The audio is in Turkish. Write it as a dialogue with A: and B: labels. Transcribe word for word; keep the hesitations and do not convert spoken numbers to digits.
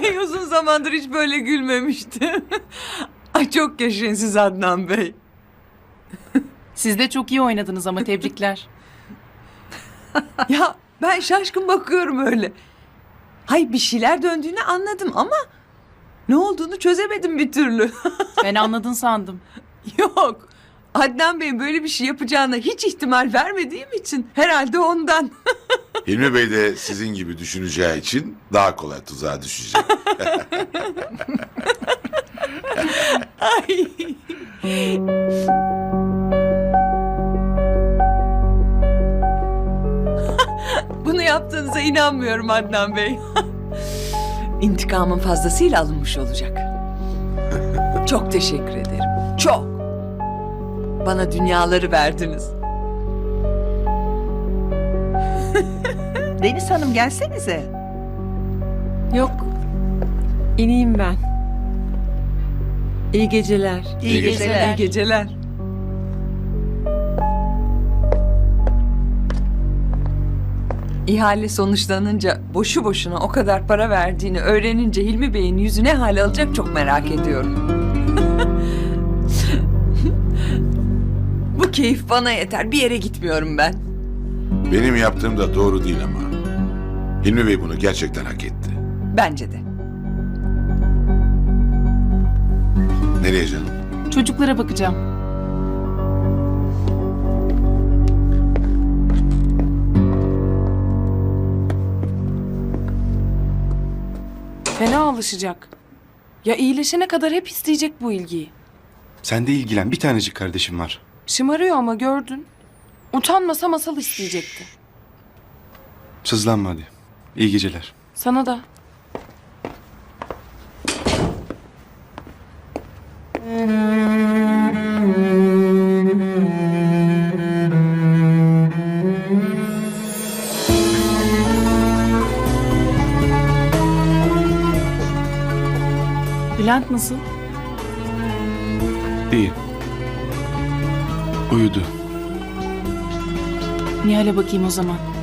A: Ay uzun zamandır hiç böyle gülmemiştim. Ay çok yaşayın siz Adnan Bey.
B: Siz de çok iyi oynadınız ama tebrikler.
A: Ya ben şaşkın bakıyorum öyle. Hay bir şeyler döndüğünü anladım ama ne olduğunu çözemedim bir türlü.
B: Ben anladın sandım.
A: Yok. Adnan Bey böyle bir şey yapacağına hiç ihtimal vermediğim için herhalde ondan.
C: Hilmi Bey de sizin gibi düşüneceği için daha kolay tuzağa düşecek.
A: Ay. Bunu yaptığınıza inanmıyorum Adnan Bey. İntikamın fazlasıyla alınmış olacak. Çok teşekkür ederim. Çok. Bana dünyaları verdiniz.
D: Deniz Hanım gelsenize.
E: Yok. İneyim ben. İyi geceler.
D: İyi,
C: İyi
D: geceler.
A: İyi geceler. İhale sonuçlanınca boşu boşuna o kadar para verdiğini öğrenince Hilmi Bey'in yüzü ne hal alacak çok merak ediyorum. Bu keyif bana yeter. Bir yere gitmiyorum ben.
C: Benim yaptığım da doğru değil ama. Hilmi Bey bunu gerçekten hak etti.
A: Bence de.
C: Nereye canım?
B: Çocuklara bakacağım. Fena alışacak. Ya iyileşene kadar hep isteyecek bu ilgiyi.
F: Sen de ilgilen. Bir tanecik kardeşim var.
B: Şımarıyor ama gördün. Utanmasa masal isteyecekti.
F: Sızlanma hadi. İyi geceler.
B: Sana da. Bülent nasıl?
F: İyi. Uyudu.
B: Nihal'e bakayım o zaman.